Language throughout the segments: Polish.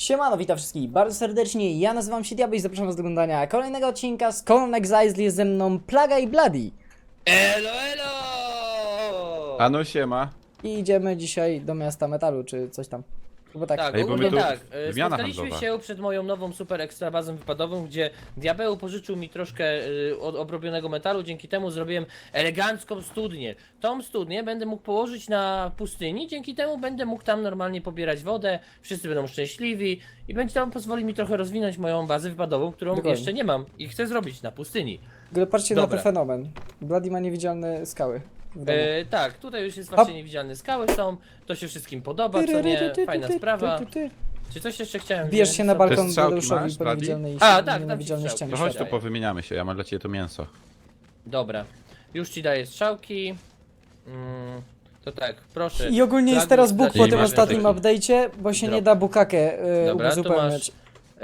Siemano, witam wszystkich bardzo serdecznie, ja nazywam się Diabeł i zapraszam was do oglądania kolejnego odcinka z Colon Exile, jest ze mną Plaga i Bloody. Elo, elo! Ano siema. I idziemy dzisiaj do miasta metalu, czy coś tam. Bo tak, Tak, Ej, bo ogólnie my tu tak. wymiana Spotkaliśmy handlowa. się przed moją nową super ekstra bazą wypadową, gdzie Diabeł pożyczył mi troszkę obrobionego metalu, dzięki temu zrobiłem elegancką studnię. Tą studnię będę mógł położyć na pustyni, dzięki temu będę mógł tam normalnie pobierać wodę, wszyscy będą szczęśliwi i będzie tam pozwoli mi trochę rozwinąć moją bazę wypadową, którą Dokładnie. jeszcze nie mam i chcę zrobić na pustyni. ale patrzcie Dobra. na ten fenomen. Bloody ma niewidzialne skały w domu. Tak, tutaj już jest Hop. właśnie niewidzialne skały są, to się wszystkim podoba, co nie? Fajna sprawa. Czy coś jeszcze chciałem Bijesz wziąć? się na Co? balkon Te strzałki Deuszowi masz, po Bloody? niewidzialnej, A, tak, tam niewidzialnej ci ścianie. To strzałki. chodź tu Daję. powymieniamy się, ja mam dla ciebie to mięso. Dobra, już ci daję strzałki. To tak, proszę. I ogólnie jest Plagu, teraz bóg dać po mi tym masz ostatnim taki update'cie, bo się drop. nie da bukakę Dobra, tu uzupełniać.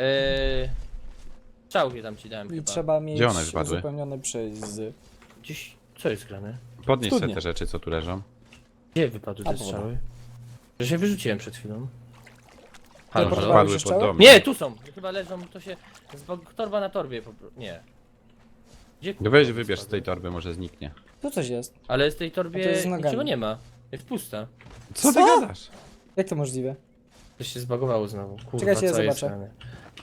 Strzałki tam ci dałem I chyba. trzeba mieć Gdzie one wypadły? uzupełnione przez... Gdzieś, co jest grane? Podnieś sobie Studnie. te rzeczy, co tu leżą. Gdzie wypadły A, te dobra. strzały? Że się wyrzuciłem przed chwilą. Halo, Teleportowałeś że padły się pod strzały? dom. Nie, tu są! Chyba leżą, to się... Torba na torbie po prostu. Nie. Gdzie Weź wybierz z tej torby, może zniknie. Tu coś jest. Ale z tej A to torbie jest z nogami. niczego nie ma. Jest pusta. Co ty Co? gadasz? Jak to możliwe? Coś się zbagowało znowu. Kurwa, Czekajcie, ja co jest zobaczę. grane?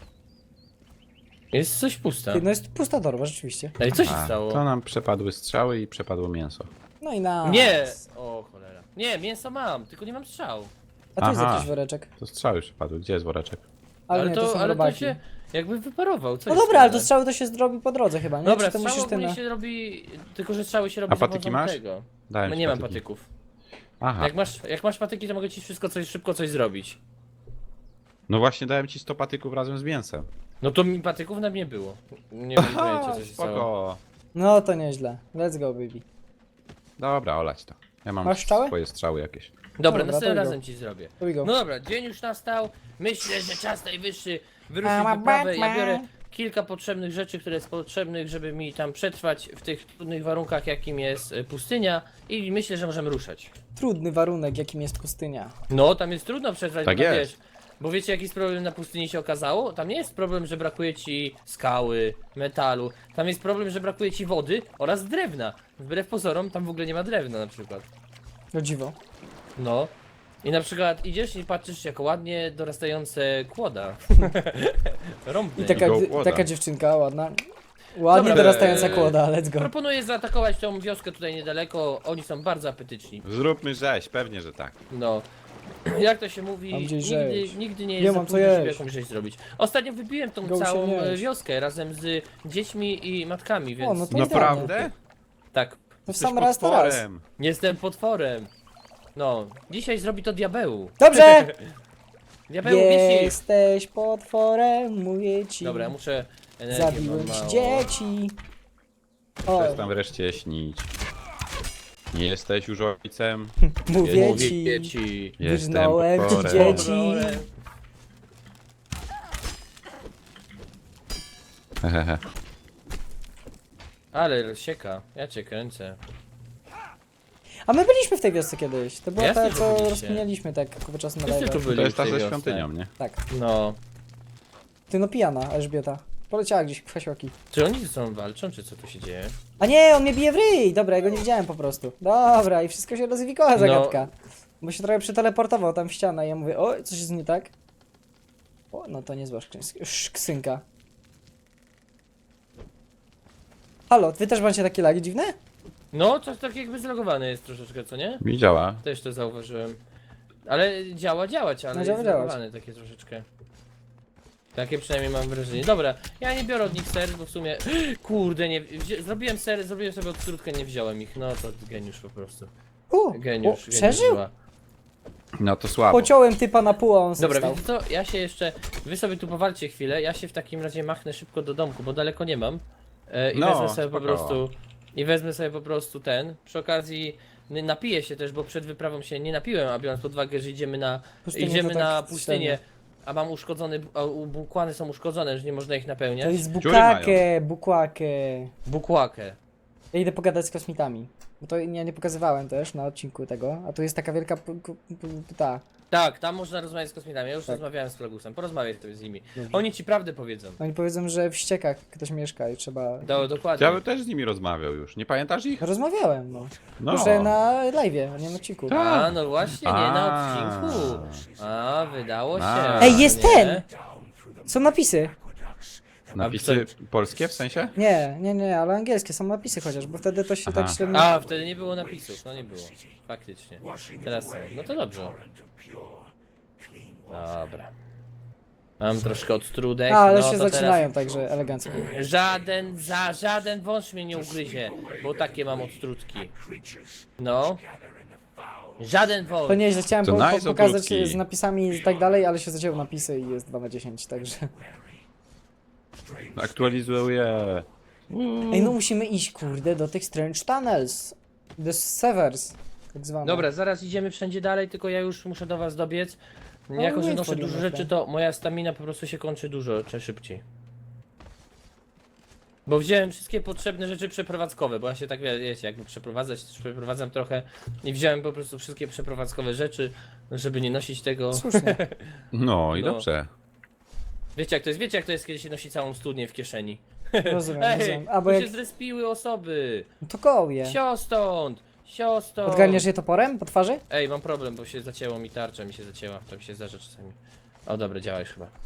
Jest coś pusta. Ty, no jest pusta torba, rzeczywiście. Ej, co się A, stało? to nam przepadły strzały i przepadło mięso. No i na. Nie! O cholera. Nie, mięso mam, tylko nie mam strzał. A tu jest Aha. jakiś woreczek. To strzały przepadły, gdzie jest woreczek? Ale, nie, to są ale to robaki. się jakby wyparował. Co No jest dobra, ale to grane? strzały to się zrobi po drodze chyba, nie? Dobra, Czy to strzały musisz ty ogólnie na... się robi, tylko że strzały się robi A patyki za pomocą masz? tego. Dałem No ci nie mam patyki. patyków. Aha, Jak masz patyki, to mogę ci szybko coś zrobić. no właśnie dałem ci 100 patyków razem z mięsem. No to mi patyków na mnie było. Nie mam pojęcia co się stało. Spoko. No to nieźle. Let's go, baby. Dobra, olać to. Ja mam Masz strzały? swoje strzały jakieś. Dobra, Dobra, to następnym go. razem ci zrobię. Here we go. No dobra, dzień już nastał. Myślę, że czas najwyższy wyruszyć I'm a w wyprawę. Ja Batman. biorę kilka potrzebnych rzeczy, które jest potrzebnych, żeby mi tam przetrwać w tych trudnych warunkach, jakim jest pustynia. I myślę, że możemy ruszać. Trudny warunek, jakim jest pustynia. No, tam jest trudno przetrwać, Tak bo jest. wiesz, bo wiecie jaki jest problem na pustyni się okazało? Tam nie jest problem, że brakuje ci skały, metalu. Tam jest problem, że brakuje ci wody oraz drewna. Wbrew pozorom, tam w ogóle nie ma drewna na przykład. No dziwo. No. I na przykład idziesz i patrzysz jak ładnie dorastające kłoda. Rąbne. I taka, go kłoda. taka dziewczynka ładna. Ładnie Dobra, dorastająca kłoda, let's go. Proponuję zaatakować tą wioskę tutaj niedaleko. Oni są bardzo apetyczni. Zróbmy rzeź, pewnie, że tak. No. Jak to się mówi, Mam gdzieś rzeź. nigdy nie Nie jest za mam co późno, żeby jeść. jakąś rzecz zrobić. Ostatnio wybiłem tą Go się całą jeść. wioskę razem z dziećmi i matkami, więc no to Naprawdę? tak. To w Jesteś sam raz to raz. potworem. Jestem potworem. No, dzisiaj zrobi to diabeł. Dobrze! Diabeł wisi. Jesteś potworem, mówię ci. Dobra, ja muszę energię, mam Zabiłem ci mało. dzieci. O, Przestań wreszcie śnić. Nie jesteś już ojcem. mówię Mówię ci. ci. Jestem Wyznałem ci potworem. dzieci. Potworem. Hehehe. Ale sieka, ja cię kręcę. A my byliśmy w tej wiosce kiedyś. To była Jasne, ta, że co byliście. rozkminialiśmy tak kupę czasu na Wszyscy tu live. byli To jest w ta tej ze wiosce. świątynią, nie? Tak. No. Ty no pijana, Elżbieta. Poleciała gdzieś w hasioki. Czy oni ze sobą walczą, czy co tu się dzieje? A nie, on mnie bije w ryj! Dobra, ja go nie widziałem po prostu. Dobra, i wszystko się rozwikła zagadka. Bo się trochę przeteleportował tam w ścianę i ja mówię, o, coś jest nie tak. O, no to niezła szksynka. Halo, wy też macie takie lagi dziwne? No, coś tak jakby zlogowane jest troszeczkę, co nie? Mi działa. Też to zauważyłem. Ale działać, ale No, jest działać. zlogowane takie troszeczkę. Takie przynajmniej mam wrażenie. Dobra, ja nie biorę od nich ser, bo w sumie... Kurde, nie... Zrobiłem ser, zrobiłem sobie odtrutkę, nie wziąłem ich. No to geniusz po prostu. Geniusz, o, przeżył? zła. No to słabo. Pociąłem typa na pół, a on Dobra, stał. wiecie co? Ja się jeszcze... Wy sobie tu powalcie chwilę, ja się w takim razie machnę szybko do domku, bo daleko nie mam. I No, wezmę sobie po spoko. prostu... I wezmę sobie po prostu ten. Przy okazji napiję się też, bo przed wyprawą się nie napiłem, a biorąc pod uwagę, że Pustynię idziemy to tak na średnio. pustynię, a mam uszkodzony, a bukłany są uszkodzone, że nie można ich To napełniać. jest mają. bukłakę. Bukłakę. Ja idę pogadać z kosmitami. Bo to ja nie pokazywałem też na odcinku tego. A tu jest taka wielka ta. Tak, tam można rozmawiać z kosmitami. Ja już Tak. rozmawiałem z Plagusem. Porozmawiaj sobie z nimi. Dobrze. Oni ci prawdę powiedzą. Oni powiedzą, że w ściekach ktoś mieszka i trzeba... Dokładnie. Ja bym też z nimi rozmawiał już. Nie pamiętasz ich? Rozmawiałem, no. No. Już na live'ie, a nie na odcinku. Tak. A, no właśnie, nie na A. odcinku. A, wydało się. A. Ej, jest nie? ten! Są napisy. Napisy polskie w sensie? Nie, ale angielskie są napisy chociaż, bo wtedy to się Aha. tak średnio... A, wtedy nie było napisów, no nie było. Faktycznie. Teraz są. No to dobrze. Dobra. Mam troszkę odtrudek. A, ale no się to zaczynają, także elegancko. Żaden wąż mnie nie ugryzie, bo takie mam odtrutki. No. Żaden wąż. To nieźle, chciałem To nice pokazać ogródki. z napisami i tak dalej, ale się zacięły napisy i jest 2 na 10, także... Aktualizuję. Ej, no musimy iść, kurde, do tych Strange Tunnels. The Severs, tak zwane. Dobra, zaraz idziemy wszędzie dalej, tylko ja już muszę do was dobiec. No, Jako, że nie noszę wchodzimy dużo w rzeczy, to. to moja stamina po prostu się kończy dużo szybciej. Bo wziąłem wszystkie potrzebne rzeczy przeprowadzkowe, bo ja się tak, wiecie, jakby przeprowadzać, to przeprowadzam trochę i wziąłem po prostu wszystkie przeprowadzkowe rzeczy, żeby nie nosić tego. Słusznie. No i No. dobrze. Wiecie jak to jest, kiedy się nosi całą studnię w kieszeni. Rozumiem, Ej, rozumiem. A bo tu jak... się zrespiły osoby. No to kołuje. Sio stąd! Odgarniasz je toporem po twarzy? Ej, mam problem, bo się zacięło mi tarcza, mi się zacięła, to mi się zdarza czasami. O dobra, działa już chyba.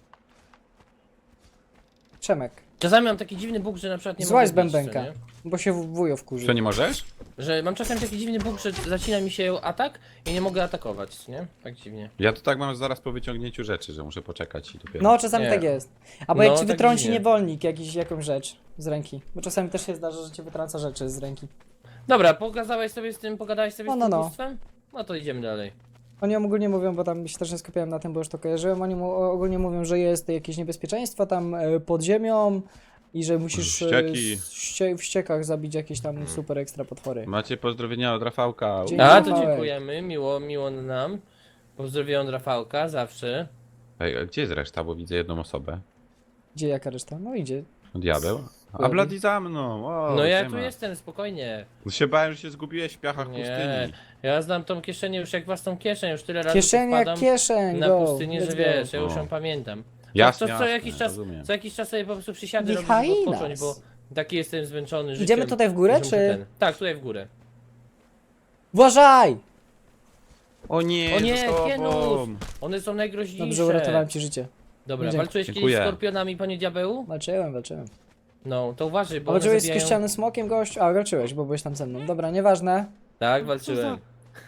Przemek. Czasami mam taki dziwny bóg, że na przykład nie Złaź z mogę bić, co bębenka. nie? Bo się wujo wkurzy. Co, nie możesz? Że mam czasami taki dziwny bóg, że zacina mi się atak i nie mogę atakować, nie? Tak dziwnie. Ja to tak mam zaraz po wyciągnięciu rzeczy, że muszę poczekać i dopiero. No, czasami Nie. tak jest. Albo No, jak ci tak wytrąci dziwnie. niewolnik jakąś rzecz z ręki. Bo czasami też się zdarza, że ci wytrąca rzeczy z ręki. Dobra, pogadałeś sobie z tym No. bóstwem? No to idziemy dalej. Oni ogólnie mówią, bo tam się też nie skupiałem na tym, bo już to kojarzyłem, oni ogólnie mówią, że jest jakieś niebezpieczeństwo tam pod ziemią i że musisz Ścieki. w ściekach zabić jakieś tam super ekstra potwory. Macie pozdrowienia od Rafałka. Dzięki. A, to Małek. dziękujemy, miło nam. Pozdrowiłem Rafałka, zawsze. Ej, a gdzie jest reszta? Bo widzę jedną osobę. Gdzie jaka reszta? No idzie. Diabeł. A Ładnie. Bloody za mną. O, No ja siema. tu jestem, spokojnie. Się bałem, że się zgubiłeś w piachach Nie, pustyni. ja znam tą kieszenię już jak własną kieszeń, już tyle razy tu Kieszeń jak wpadam kieszeń, na go. pustynię, let's że go. wiesz, ja już O. ją pamiętam. Jasne, co jasne, jakiś czas, rozumiem. co jakiś czas sobie po prostu przysiadę robię, Michaj żeby odpocząć, nas. bo taki jestem zmęczony życiem. Idziemy tutaj w górę, że muszę czy- Tak, tutaj w górę. Uważaj! O nie, O nie, za tobą. Kienus! One są najgroźniejsze. Dobrze, uratowałem ci życie. Dobra, Dzięki. walczyłeś kiedyś Dziękuję. z skorpionami, panie diabeł? Walczyłem. No, to uważaj, bo A one walczyłeś z zabijają... kościanym smokiem, gość? A, walczyłeś, bo byłeś tam ze mną. Dobra, nieważne. Tak, walczyłem.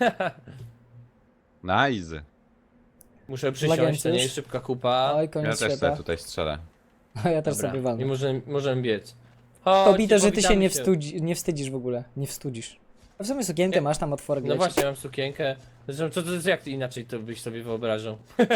Nice. Muszę przysiąść, Legency to nie już? jest szybka kupa. Oj, Ja koniec też świata. sobie tutaj strzelę. A ja też Dobra, sobie i walnę. możemy biec. Kobito, że ty się powitamy nie wstydzisz w ogóle. Nie wstydzisz. A w sumie sukienkę Nie. masz tam otworek No leci. właśnie, mam sukienkę. Zresztą, jak ty inaczej to byś sobie wyobrażał?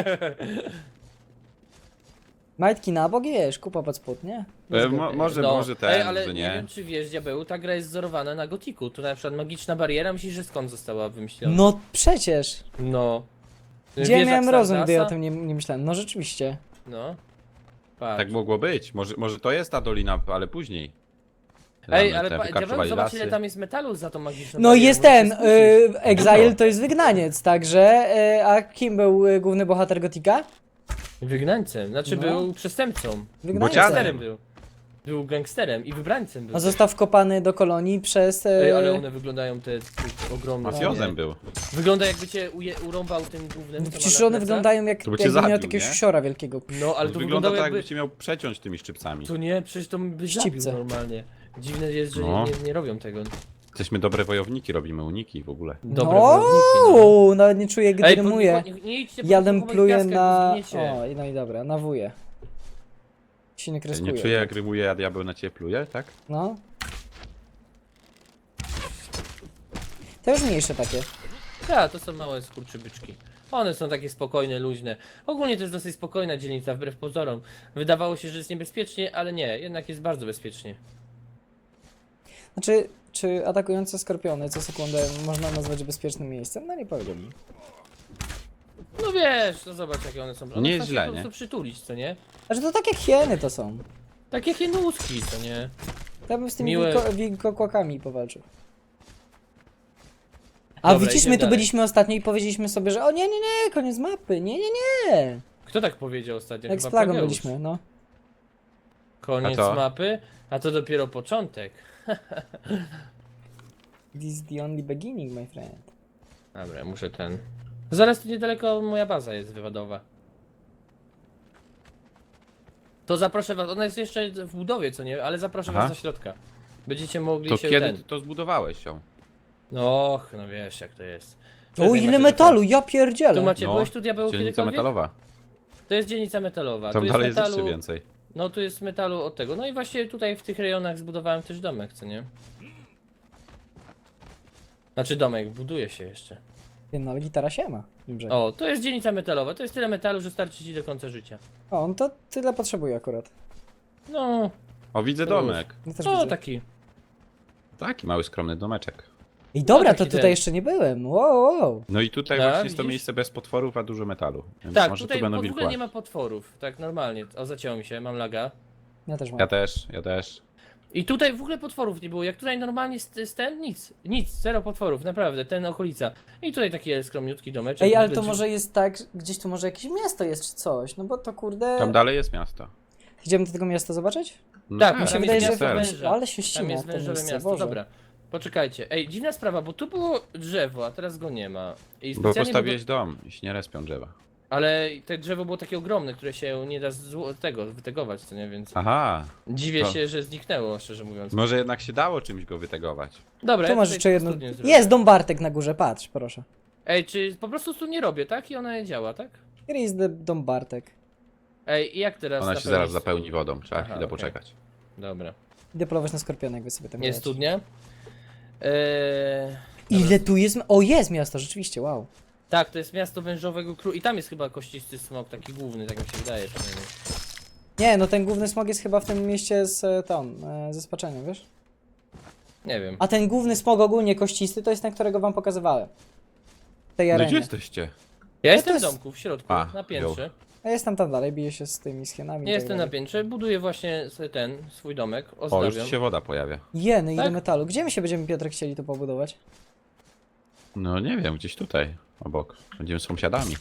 Majtki na bok, wiesz, kupa pod spód, nie? Może Ej, ten, ale że nie nie. wiem czy wiesz, diabeł, ta gra jest wzorowana na Gotiku. Tu na przykład magiczna bariera, myślisz, że skąd została wymyślona? No przecież. No. Gdzie Wiesz, jak miałem rozum, gdy ja o Stardasta? tym nie myślałem. No rzeczywiście. No. Patrz. Tak mogło być. Może to jest ta dolina, ale później. Ej, Tam ale te diabeł, wykarczowali zobacz lasy. ile tam jest metalu za tą magiczną No barierę, jest możesz ten, się skusić. Exile to jest wygnaniec, także, a kim był główny bohater Gotika? Wygnańcem, znaczy No. był przestępcą. Bocianem. Gangsterem był. Był gangsterem i wybrańcem był. A został wkopany do kolonii przez... Ej, ale one wyglądają te ogromne. Mafiozem nie? był. Wygląda jakby cię urąbał tym głównym. co ma Przecież na one plecach. wyglądają jak, To by cię jakby miał zabił, jakiegoś nie? siora wielkiego. No, ale to Wygląda tak, jakby... jakby cię miał przeciąć tymi szczypcami. To nie, przecież to by zabił Szczypce. normalnie. Dziwne jest, że No. nie robią tego. Jesteśmy dobre wojowniki, robimy uniki w ogóle. Dobre wojowniki, no. Nawet nie czuję, gdy rymuję. nie idźcie po Jadem tych pluję gwiazdkach, bo na... zginiecie. O, no i dobra, na wuję. Się nie kreskuje. Nie czuję jak rymuje, a diabeł na ciebie pluje, tak? No. To już mniejsze takie. Tak, to są małe skurczybyczki. One są takie spokojne, luźne. Ogólnie to jest dosyć spokojna dzielnica, wbrew pozorom. Wydawało się, że jest niebezpiecznie, ale nie, jednak jest bardzo bezpiecznie. Znaczy, czy atakujące skorpiony co sekundę można nazwać bezpiecznym miejscem? No nie powiedziałbym. No wiesz, no zobacz jakie one są. One Nie jest chcą się źle, po prostu nie? przytulić, co nie? Znaczy to tak jak hieny to są. Takie hienuski, co nie? Ja bym z tymi Miłe. wilkokłakami powalczył. A Dobra, widzisz, idziemy my tu dalej. byliśmy ostatnio i powiedzieliśmy sobie, że o nie, nie, nie, koniec mapy, nie, nie, nie. Kto tak powiedział ostatnio? Jak z Chyba plagą Plageusz. byliśmy, no. Koniec A to? mapy, a to dopiero początek. This is the only beginning, my friend. Dobra, ja muszę ten... Zaraz tu niedaleko moja baza jest wywodowa. To zaproszę was, ona jest jeszcze w budowie, co nie? Ale zaproszę Aha. was do środka. Będziecie mogli To się kiedy ten... ty to zbudowałeś ją? Och, no wiesz jak to jest. O, Tutaj ile macie metalu, ja Tu pierdzielę. macie, No, byłeś tu diabeł Dzielnica kiedykolwiek? metalowa. To jest dzielnica metalowa. Tam tu dalej jest jest metalu, jeszcze więcej. no tu jest metalu od tego. No i właśnie tutaj w tych rejonach zbudowałem też domek, co nie? Znaczy domek, buduje się jeszcze. Ty, no, ale gitara się ma. Dobrze. O, to jest dzielnica metalowa, to jest tyle metalu, że starczy ci do końca życia. O, on to tyle potrzebuje akurat. No, O, widzę To domek. Ja też no widzę. taki. Taki mały, skromny domeczek. I dobra, taki to tutaj ten. jeszcze nie byłem. Wow, wow. No i tutaj Tak, właśnie jest to widzisz? miejsce bez potworów, a dużo metalu. Więc Tak, może tutaj tu będą w ogóle wilkła. nie ma potworów, tak normalnie. O, zacięło mi się, mam laga. Ja też mam. Ja też, ja też. I tutaj w ogóle potworów nie było, jak tutaj normalnie jest ten, nic, zero potworów, naprawdę, ten okolica. I tutaj taki skromniutki domeczek. Ej, ale w to ogóle może jest tak, gdzieś tu może jakieś miasto jest czy coś, no bo to kurde... Tam dalej jest miasto. Idziemy do tego miasta zobaczyć? No Tak, Mi się tam wydaje, jest że... miasto cel. węża. Ale się Tam ścina jest to wężowe miejsce, miasto, Boże. dobra. Poczekajcie, ej, dziwna sprawa, bo tu było drzewo, a teraz go nie ma. I Bo specjalnie postawiłeś dom i się nie respią drzewa. Ale te drzewo było takie ogromne, które się nie da wytegować, co nie, więc Aha, dziwię To- się, że zniknęło, szczerze mówiąc. może jednak się dało czymś go wytegować. Dobra, Tu ja masz tutaj jeszcze jedno... studnię zrobię. Jest dom Bartek na górze, patrz, proszę. Ej, czy po prostu tu nie robię, tak? I ona nie działa, tak? Here is the dom Bartek. Ej, i jak teraz Ona się napełnić zaraz zapełni wodą, trzeba Aha, chwilę okej. poczekać. Dobra. Idę polować na skorpiona, jak wy sobie tam Jest gracie. studnia? Ile tu jest... O, jest miasto, rzeczywiście, wow. Tak, to jest miasto wężowego króla. I tam jest chyba kościsty smok, taki główny, tak mi się wydaje przynajmniej. Nie, no ten główny smog jest chyba w tym mieście z ze spaczeniem, wiesz? Nie wiem. A ten główny smog ogólnie kościsty to jest ten, którego wam pokazywałem. W tej No gdzie arenie. jesteście? Ja jestem w jest- domku, w środku, A, na piętrze. A jestem tam dalej, biję się z tymi schienami. i Nie tak jestem na dalej. piętrze, buduję właśnie sobie swój domek, O, już ozdabiam. się woda pojawia. Jeny, ile Tak? metalu. Gdzie my się będziemy, Piotrek, chcieli tu pobudować? No nie wiem, gdzieś tutaj, obok. Będziemy sąsiadami.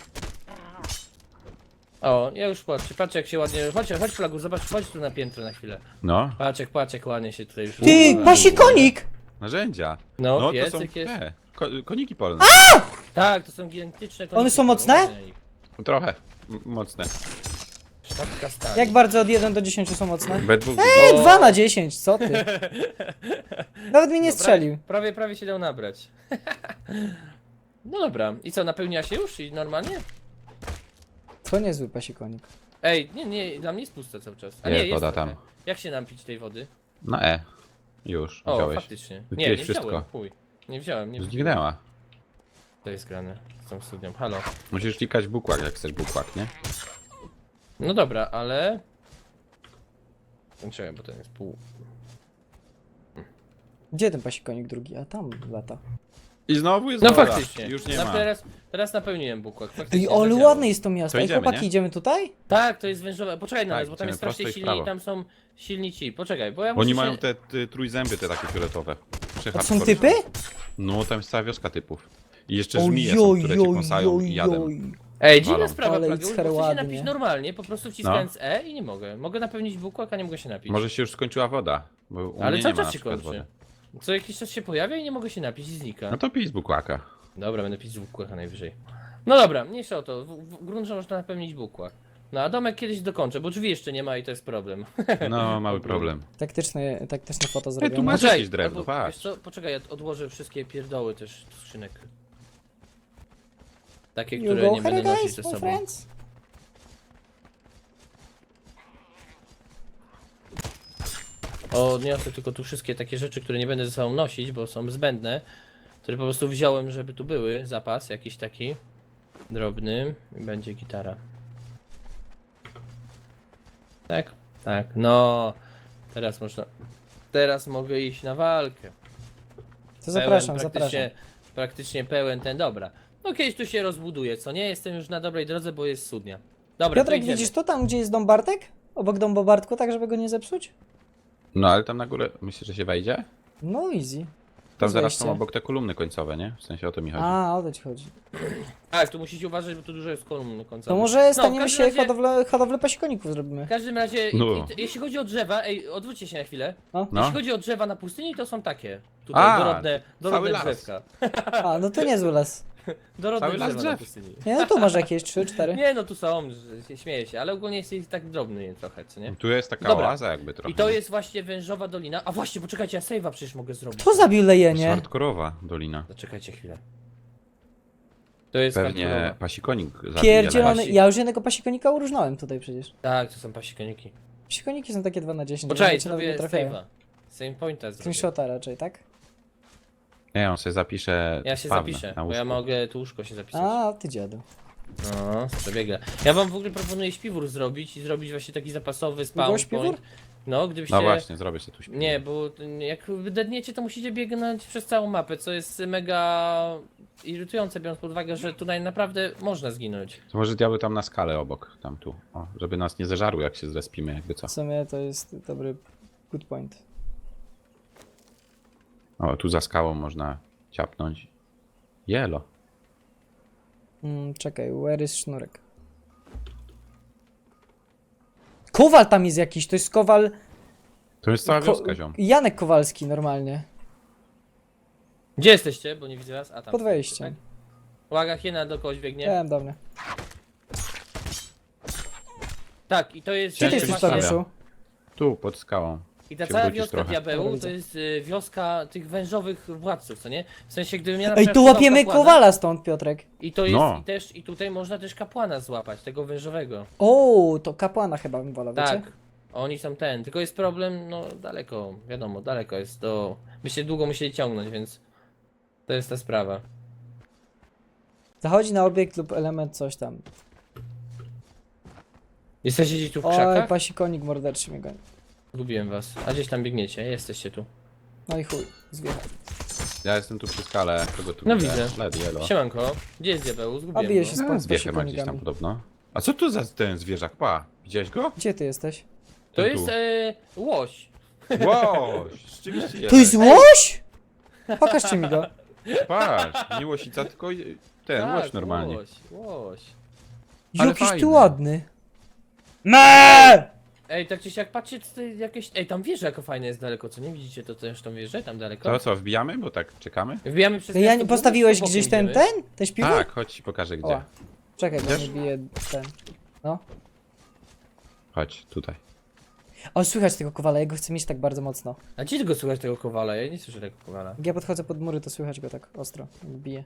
O, ja już patrzę jak się ładnie... Chodź Flagu, zobacz, chodź tu na piętro na chwilę. No, Patrz jak ładnie się tutaj już... Ty, pasikonik! narzędzia. No, No to są piecyk jest. te, koniki polne. Tak, to są gigantyczne koniki. One są mocne? uważaj na nich. Trochę mocne. Sztabka stali. Jak bardzo od 1 do 10 są mocne? We dwóch. Ej, O. 2 na 10, co ty? Nawet mi nie No, strzelił. Prawie się dał nabrać. No dobra, i co, napełnia się już i normalnie? To niezły pasikonik. Ej, nie, dla mnie jest puste cały czas. A Jest nie, woda trochę. tam. Jak się napić tej wody? Na E. Już, O, wziąłeś. faktycznie. Nie, Wypiłeś nie wszystko. wziąłem, chuj. Nie wziąłem. Zniknęła. To jest grane z tą studnią, halo. Musisz klikać bukłak, jak chcesz bukłak, nie? No dobra, ale... Czekaj, bo ten jest pół... Gdzie ten pasikonik drugi? A tam lata. I znowu jest No woda. faktycznie. Już nie ma. Teraz napełniłem bukłak. Ej, Faktycznie ale zadziałało. ładne jest to miasto. To Ej, idziemy, chłopaki, nie? idziemy tutaj? Tak, to jest wężowe. Poczekaj na Tak, nas, bo tam idziemy jest strasznie prosto i w silni i prawo. tam są silni ci. Poczekaj, bo ja Oni muszę mają się... te trójzęby, te takie fioletowe. A to są typy? No, tam jest cała wioska typów. I jeszcze Oj, żmije są, oj, które cię oj, kąsają oj, i jadem. oj. Ej, dziwna Walą. sprawa, Ale Plageusz, it's bo chcę się ładnie. napić normalnie, po prostu wciskając E i nie mogę. Mogę napełnić bukłak, a nie mogę się napić. Może się już skończyła woda, bo u Ale mnie cały nie ma czas na się przykład kończy. wody. Co jakiś czas się pojawia i nie mogę się napić i znika. No to pij z bukłaka. Dobra, będę pić z bukłaka najwyżej. No dobra, mniejsza o to. W grunt, że można napełnić bukłak. No a domek kiedyś dokończę, bo drzwi jeszcze nie ma i to jest problem. No, mały problem. Taktyczne foto tu zrobione. masz- jakieś drewno, albo, patrz. wiesz co, poczekaj, ja odłożę wszystkie pierdoły też z skrzynek. Takie, You które go nie będę here, nosić guys, ze my sobą. friends? Odniosę tylko tu wszystkie takie rzeczy, które nie będę ze sobą nosić, bo są zbędne. Które po prostu wziąłem, żeby tu były. Zapas jakiś taki drobny. I będzie gitara. Tak? Tak. No. Teraz można... Teraz mogę iść na walkę. To zapraszam, praktycznie, zapraszam. praktycznie pełen ten, dobra. No kiedyś tu się rozbuduje, co nie? Jestem już na dobrej drodze, bo jest studnia. Dobra, to Piotrek, idziemy. widzisz to tam, gdzie jest dom Bartek? Obok domu Bartku, tak żeby go nie zepsuć? No ale tam na górę, myślisz, że się wejdzie? No easy. Tam zaraz wejście. są obok te kolumny końcowe, nie? W sensie o to mi chodzi. A, o to ci chodzi. Tak, tu musicie uważać, bo tu dużo jest kolumn końcowych. To może w staniemy każdym się razie- hodowlę pasikoników zrobimy. W każdym razie, No. jeśli chodzi o drzewa, odwróćcie się na chwilę. No. No. Jeśli chodzi o drzewa na pustyni, to są takie. Tutaj A, dorodne cały las. drzewka. A, no to niezły las. Dorodne Cały las drzewa na drzew. pustyni. Nie, no tu masz jakieś 3, 4. Nie no, tu są, śmieję się, ale ogólnie jest tak drobny trochę, co nie? Tu jest taka Dobra. oaza jakby trochę. I to jest właśnie wężowa dolina. A właśnie, poczekajcie, ja save'a przecież mogę zrobić. Kto zabił lejenie? Hardkorowa dolina. Zaczekajcie chwilę. To jest Pewnie hardkorowa. pasikonik zabije. Pierdzielony, Pasi- ja już jednego pasikonika uróżnąłem tutaj przecież. Tak, to są pasikoniki. Pasikoniki są takie 2 na 10. Poczekaj, nawet nie zrobię trafiają. save'a. Save pointa zrobię. Screenshota raczej, tak? Nie, on sobie zapisze Ja się spawnę zapiszę, na bo ja łóżku. mogę tu łóżko się zapisać. A, ty dziadu. No, przebiega. Ja wam w ogóle proponuję śpiwór zrobić i zrobić właśnie taki zapasowy spawn Było śpiwór? point. No, gdybyście... No właśnie, zrobię sobie tu śpiwór. Nie, bo jak wydedniecie, to musicie biegnąć przez całą mapę, co jest mega irytujące, biorąc pod uwagę, że tutaj naprawdę można zginąć. To może diabeł tam na skalę obok, tam tu. O, żeby nas nie zeżarły jak się zrespimy, jakby co. W sumie to jest dobry good point. O, tu za skałą można ciapnąć. Jelo. Czekaj, where is sznurek? Kowal tam jest jakiś, to jest Kowal... To jest cała wioska, ziom. Janek Kowalski normalnie. Gdzie jesteście? Bo nie widzę was. A tam. Pod wejściem. Tak? Uwaga, hiena do kogoś biegnie. Wiem, dobra. Tak, i to jest... Gdzie ty Ciężko jesteś, się właśnie- stawia. Tadeuszu? Tu, pod skałą. I ta się cała wrócisz wioska trochę. diabełu Dobra, to widzę. jest wioska tych wężowych władców, co nie? W sensie, gdybym ja na Ej, przykład tu szukał łapiemy kapłana, Kowala stąd, Piotrek. I to jest No. i tutaj można też kapłana złapać, tego wężowego. O, to kapłana chyba bym wolał, Tak. wiecie? Oni są ten. Tylko jest problem, no daleko, wiadomo, daleko jest do. Byście długo musieli ciągnąć, więc to jest ta sprawa. Zachodzi na obiekt lub element coś tam. Jesteście gdzieś tu w Oj, krzakach? pasikonik morderczy mnie goni. Zgubiłem was. A gdzieś tam biegniecie, jesteście tu. No i chuj, zwiechał. Ja jestem tu przy skale, kogo tu No widzę? widzę. Led, jelo. Siemanko, gdzie jest diabeł? A Zgubiłem bije go. się z A, zwiechę ma gdzieś tam pasikonikami. podobno. A co tu za ten zwierzak? Pa, widziałeś go? Gdzie ty jesteś? To Tu. jest łoś. Wow, rzeczywiście To jest łoś? Pokażcie mi go. Patrz, nie łosica, tylko ten, Tak, łoś normalnie. Łoś. Ale Jakiś fajny. tu ładny. Me! Ej, tak czy siak, patrzcie, co to jakieś... Ej, tam wieża jako fajna jest daleko, co nie? Widzicie to też tą wieżę tam daleko? To co, wbijamy? Bo tak czekamy? Wbijamy przez To ja miasto nie główne, postawiłeś czy bokiem gdzieś ten, idziemy? ten śpiwór? Tak, chodź ci pokażę gdzie. O, czekaj, bo Idziesz? mi bije ten. No. Chodź, tutaj. O, słychać tego Kowala, ja go chcę mieć tak bardzo mocno. A gdzie tego słychać tego kowala? Ja nie słyszę tego kowala. Jak ja podchodzę pod mury, to słychać go tak ostro, jak bije.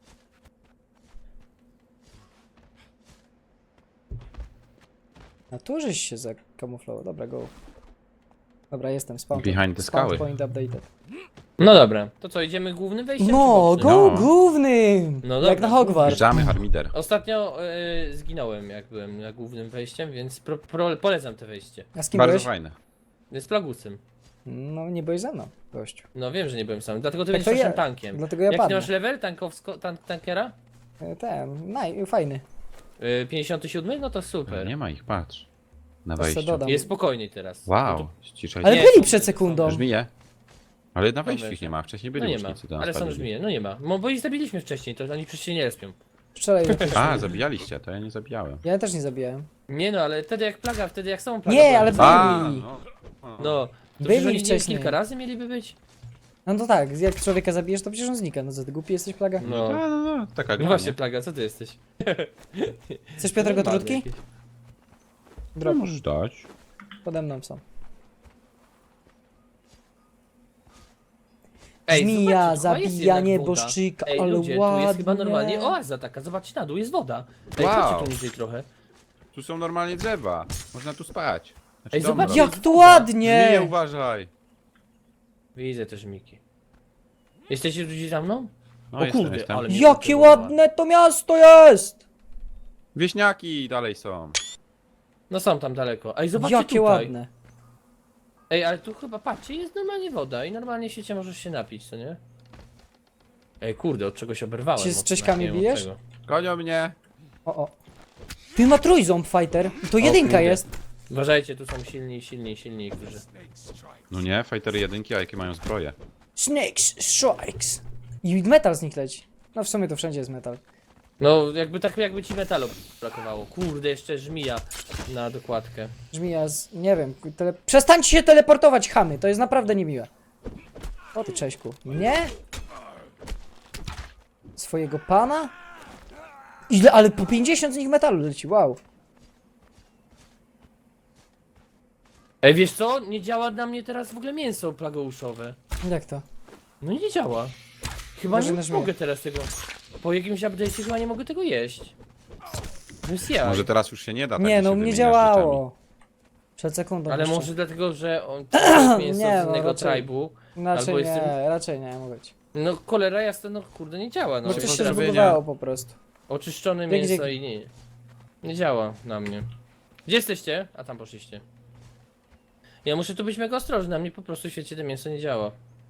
A tu żeś się zakamuflował, dobra, go. Dobra, jestem, spawn. Behind the spawn skały. point updated. No dobra, to co, idziemy głównym wejściem? No, czy bocznym? go No. głównym! No Jak dobra, na Hogwarts. Wjeżdżamy, Harmider. Ostatnio zginąłem, jak byłem na głównym wejściem, więc polecam to wejście. A z kim Bardzo byłeś? fajne. Z Plagusem. No, nie byłeś ze mną, gościu. No wiem, że nie byłem sam, dlatego ty Tak będziesz to naszym ja- tankiem. Dlatego ja Jaki ty padnę. masz level tankera? Ten, fajny. 57? No to super. Nie ma ich, patrz. Na To se wejściu. dodam. Jest spokojniej teraz. No Wow, to- ściszaj Ale się. Nie, byli to- przed sekundą. Żmije. Ale na wejściu Dobra, ich nie ma, wcześniej No byli nie ma, łucznicy do nas ale są padli. żmije, no nie ma. Bo ich zabiliśmy wcześniej, to oni przecież się nie respią. Strzelaj. A, zabijaliście, to ja nie zabijałem. Ja też nie zabijałem. Nie no, ale wtedy jak plaga, wtedy jak są plaga. Nie, była, ale to- byli. No, to Byli przecież oni nie wcześniej. kilka razy mieliby być? No to tak, jak człowieka zabijesz, to przecież on znika. No co, ty głupi jesteś, plaga? No. No, taka No gra, właśnie, nie? plaga, co ty jesteś? Chcesz Piotrek Normalny trutki? jakiś. No, Drop, możesz dać. pode mną są. zobaczcie, Zmija, chyba jest zabija jednak nieboszczyka, woda. Ej, ale ludzie, ładnie. tu jest chyba normalnie oaza taka, zobaczcie na dół, jest woda. Ej, Wow. chodźcie tu niżej trochę. Tu są normalnie drzewa. Można tu spać. Znaczy Ej, dom zobacz, robić. Jak jest tu woda. ładnie! Zmije, uważaj. Widzę też Miki. Jesteście tu gdzieś za mną? No, O jestem, kurde, jestem. ale mnie Jakie zaintrygowała. ładne to miasto jest! Wieśniaki dalej są. No są tam daleko. Ej, zobaczcie Jakie tutaj. ładne. Ej, ale tu chyba, patrzcie, jest normalnie woda i normalnie się możesz się napić, co nie? Ej, kurde, od czegoś oberwałem. Się z mocno, Cześćkami nie wiem od bijesz? czego. Gonią mnie. O. Ty ma trójząb fighter. I to jedynka kurde. jest. Uważajcie, tu są silni, którzy... No nie, fighter jedynki, a jakie mają zbroje. Snakes strikes. I metal z nich leci. No w sumie to wszędzie jest metal. No, jakby ci metalu brakowało. Kurde, jeszcze żmija na dokładkę. Żmija z... nie wiem, przestańcie się teleportować, chamy, to jest naprawdę niemiłe. O ty Cześćku. Nie? Swojego pana? Ile, ale po 50 z nich metalu leci, wow. Ej, wiesz co? Nie działa na mnie teraz w ogóle mięso plagouszowe. Jak to? No nie działa. Chyba Może nie na żmiję. mogę teraz tego. Po jakimś update'cie chyba nie mogę tego jeść. No jest ja. Może teraz już się nie da tak, Nie, że no się u mnie wymieniasz działało. Przed sekundą Ale jeszcze. może dlatego, że on to jest mięso Nie, z no, innego raczej. tribu. Raczej albo nie, jestem- raczej nie, mogę ci. No cholera jasna, no kurde nie działa. No, No coś się pozdrowienia. zbugowało po prostu. oczyszczone Dzięki, mięso dzięki. i nie. Nie działa na mnie. Gdzie jesteście? A tam poszliście. Ja muszę tu być mega ostrożny, na mnie po prostu w świecie to mięso nie działa.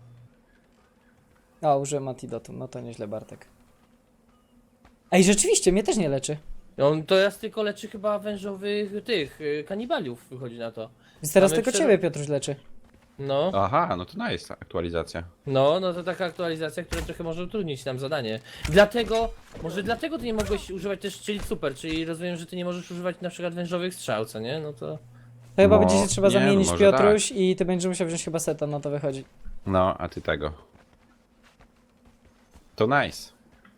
A, użyłem antidotum, no to nieźle Bartek. Ej, rzeczywiście, mnie też nie leczy. On to raz tylko leczy chyba wężowych tych kanibaliów wychodzi na to. Więc teraz Mamy tylko przed- ciebie Piotruś leczy. No, Aha, no to nice aktualizacja. no to taka aktualizacja, która trochę może utrudnić nam zadanie. Dlatego, może dlatego ty nie mogłeś używać też czyli super, czyli rozumiem, że ty nie możesz używać na przykład wężowych strzał, co nie? No to... To chyba No, będzie się trzeba nie, no zamienić może Piotruś i ty będziesz musiał wziąć chyba seta, no to wychodzi. No, a ty tego. To nice.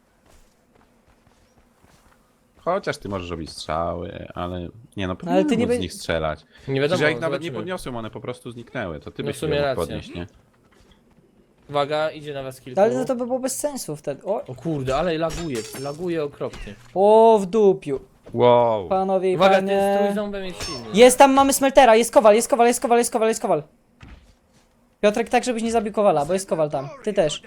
Chociaż ty możesz robić strzały, ale nie no, ale ty powinien nie móc z be- nich strzelać. Nie Przecież wiadomo, ja ich nawet nie zobaczymy. podniosłem, one po prostu zniknęły. To ty No byś w sumie je mógł racja. podnieść, nie? Uwaga, idzie na was kilku. Ale to by było bez sensu wtedy. O kurde, ale laguje okropnie. O, w dupiu. Wow. Panowie i Uwaga, ten panie. strój ząbem jest silny. Jest tam, mamy smeltera, jest kowal, jest kowal, jest kowal, jest kowal, jest kowal. Piotrek, tak żebyś nie zabił kowala, bo jest kowal tam. Ty też.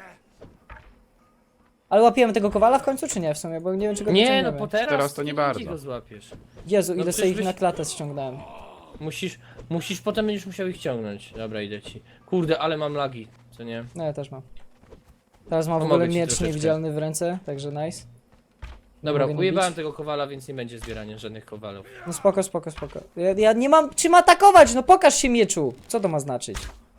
Ale łapiemy tego kowala w końcu, czy nie w sumie? Bo nie wiem, czy go Nie, no wyciągniemy. po teraz, Teraz to nie bardzo. go złapiesz. Jezu, no ile przecież sobie ich byś- na klatę ściągnąłem. Musisz, potem będziesz musiał ich ciągnąć. Dobra, idę ci. Kurde, ale mam lagi, co nie? No ja też mam. Teraz mam w Pomogę ogóle ci miecz troszeczkę. niewidzialny w ręce, także nice. Dobra, Mogę nie ujebałem bić? tego kowala, więc nie będzie zbierania żadnych kowalów. No spoko, spoko, spoko. Ja nie mam czym atakować, no pokaż się mieczu. Co to ma znaczyć?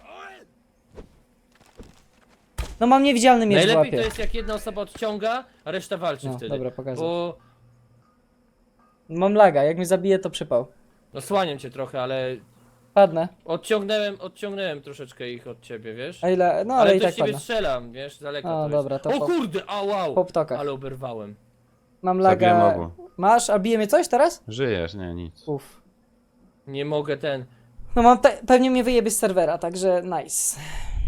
No mam niewidzialny miecz w Najlepiej to łapie. jest jak jedna osoba odciąga, a reszta walczy No, wtedy. dobra, pokażę. Bo Mam laga, jak mnie zabije to przypał. osłaniam cię trochę, ale Padnę. odciągnąłem troszeczkę ich od ciebie, wiesz? A ile? No ale, Ale i to tak z ciebie padnę. strzelam, wiesz, z daleka O, to dobra, jest. to O po- kurde, a wow! Po ptokach. Ale oberwałem. Mam Zabiłem laga. obu. Masz, a bije mnie coś teraz? Żyjesz, nie, nic. Uff. Nie mogę ten... No mam pewnie mnie wyjebie z serwera, także nice.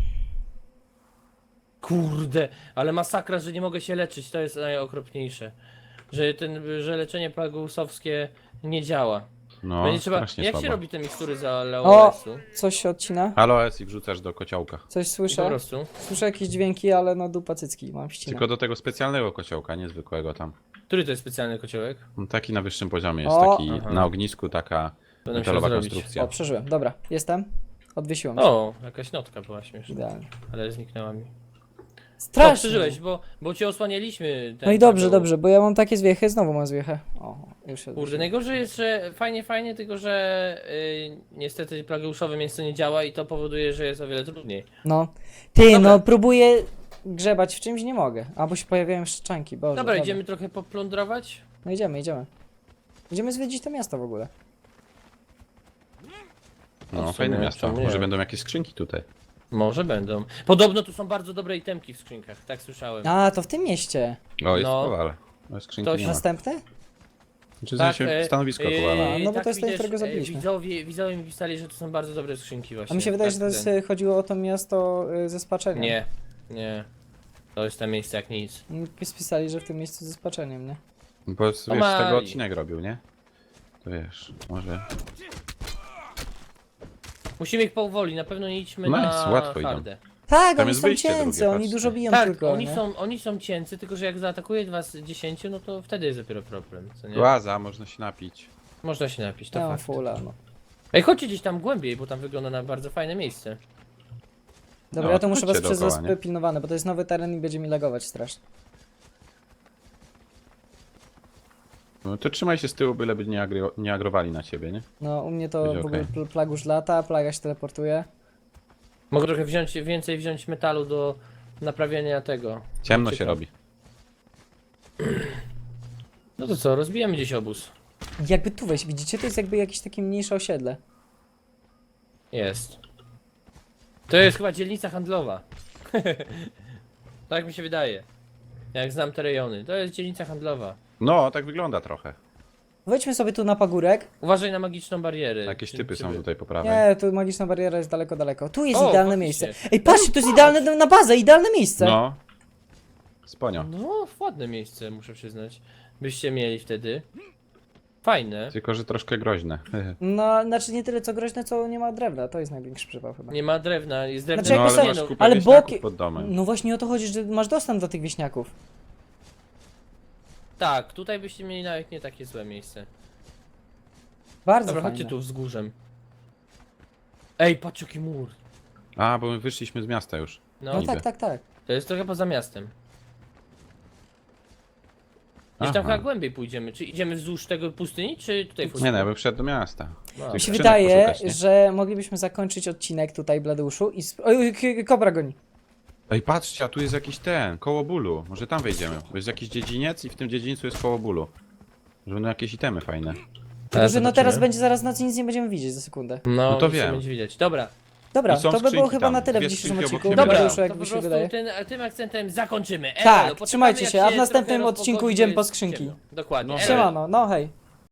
Kurde, ale masakra, że nie mogę się leczyć, to jest najokropniejsze. Że leczenie plagusowskie nie działa. No, Będzie trzeba... strasznie Jak słabo. się robi te mikstury za O! Leoresu? Coś się odcina? Aloes i wrzucasz do kociołka. Coś Po słyszę? prostu. Słyszę jakieś dźwięki, ale no dupa cycki, mam ścinę. Tylko do tego specjalnego kociołka, nie zwykłego tam. Który to jest specjalny kociołek? No, taki na wyższym poziomie jest, O! taki Aha. na ognisku, taka To nam metalowa się zrobić. konstrukcja. O, przeżyłem. Dobra, jestem. Odwiesiłem się. O, jakaś notka była śmieszna, Idealnie. ale zniknęła mi. O, Strasznie. przeżyłeś, bo cię osłanialiśmy. No i dobrze, dobrze, bo ja mam takie zwiechy, znowu mam zwiechę. O, już się Kurde, odwróciłem. najgorzej jest, że fajnie, tylko że niestety plageuszowe mięso nie działa i to powoduje, że jest o wiele trudniej. No. Ty, Dobra. no próbuję grzebać w czymś, nie mogę. Albo się pojawiają szczanki, boże. Dobra, idziemy trochę poplądrować? No idziemy, idziemy. Idziemy zwiedzić to miasto w ogóle. No, w sumie, fajne miasto. czemu nie? Może będą jakieś skrzynki tutaj. Może będą. Podobno tu są bardzo dobre itemki w skrzynkach, tak słyszałem. A, to w tym mieście. O, jest No. kowal. No, skrzynki Ktoś nie ma. Następny? Czy tak, stanowisko kowala. no bo to jest ten, widzisz, którego zabiliśmy. Widzowie mi pisali, że to są bardzo dobre skrzynki właśnie. A mi się wydaje, że to Tak, jest, ten. chodziło o to miasto ze spaczeniem. Nie. To jest tam miejsce jak nic. Spisali, że w tym miejscu ze spaczeniem, nie? Bo wiesz, z Mali. tego odcinek robił, nie? To wiesz, może... Musimy ich powoli, na pewno nie idźmy Nice, na łatwo idą. hardę. Tak, Tam oni jest są wyjście cięcy, drugie, oni patrzcie. dużo biją Tak, tylko, oni nie? oni są cięcy, tylko że jak zaatakuje was 10, no to wtedy jest dopiero problem, co nie? Łaza, można się napić. Można się napić, to Ja mam fakt. fulla, no. Ej, chodźcie gdzieś tam głębiej, bo tam wygląda na bardzo fajne miejsce. Dobra, No, ja to muszę was chodźcie przez dookoła, was nie? pilnowane, bo to jest nowy teren i będzie mi lagować strasznie. No to trzymaj się z tyłu, byleby nie agrowali na ciebie, nie? No, u mnie to Będzie w ogóle okej. plagusz lata, plaga się teleportuje. Mogę trochę więcej wziąć metalu do naprawienia tego. Ciemno się Czekam. robi. No to co, rozbijemy gdzieś obóz. Jakby tu wejść, widzicie? To jest jakby jakieś takie mniejsze osiedle. Jest. To jest chyba dzielnica handlowa. Tak mi się wydaje. Jak znam te rejony. To jest dzielnica handlowa. No, tak wygląda trochę. Wejdźmy sobie tu na pagórek. Uważaj na magiczną barierę. Jakieś typy Czy są wy- tutaj po prawej. Nie, tu magiczna bariera jest daleko, daleko. Tu jest O, idealne faktycznie. miejsce. Ej, patrzcie, to jest idealne na bazę, idealne miejsce. No. Sponio. No, ładne miejsce, muszę przyznać. Byście mieli wtedy. Fajne. Tylko, że troszkę groźne. No, znaczy nie tyle co groźne, co nie ma drewna. To jest największy przypał chyba. Nie ma drewna, jest drewna. Znaczy, No, jakby ale sobie- masz kupę ale wieśniaków boki- pod domem. No właśnie o to chodzi, że masz dostęp do tych wieśniaków. Tak, tutaj byście mieli nawet nie takie złe miejsce. Bardzo Dobra, fajne. chodźcie tu wzgórzem. Ej, patrz jaki mur. A, bo my wyszliśmy z miasta już. No, No niby. tak, tak, tak. to jest trochę poza miastem. Gdzieś tam Aha. chyba głębiej pójdziemy. Czy idziemy wzdłuż tego pustyni, czy tutaj w Nie, no, ja bym wszedł do miasta. No. Tych Mi się skrzynek wydaje, poszukać, nie? że moglibyśmy zakończyć odcinek tutaj, Bladeuszu i... Oj, kobra goni. Ej, patrzcie, a tu jest jakiś koło bólu. Może tam wejdziemy. Bo jest jakiś dziedziniec i w tym dziedzińcu jest koło bólu. Że będą jakieś itemy fajne. Tylko, że no zobaczymy. teraz będzie zaraz noc i nic nie będziemy widzieć za sekundę. No, to nic nie wiem. będzie widać. Dobra, Dobra, I są to by było skrzynki chyba tam, na tyle w dwie dzisiejszym skrzynki odcinku. obok dobra, siebie. Bladeuszu, jak to mi po się prostu wydaje. tym akcentem zakończymy. Tak, Elo, trzymajcie poczekamy, się, jak a w następnym trochę odcinku rozpogodzi, idziemy bo po jest skrzynki. ciemno. Dokładnie. No, Elo. Siemano, no hej.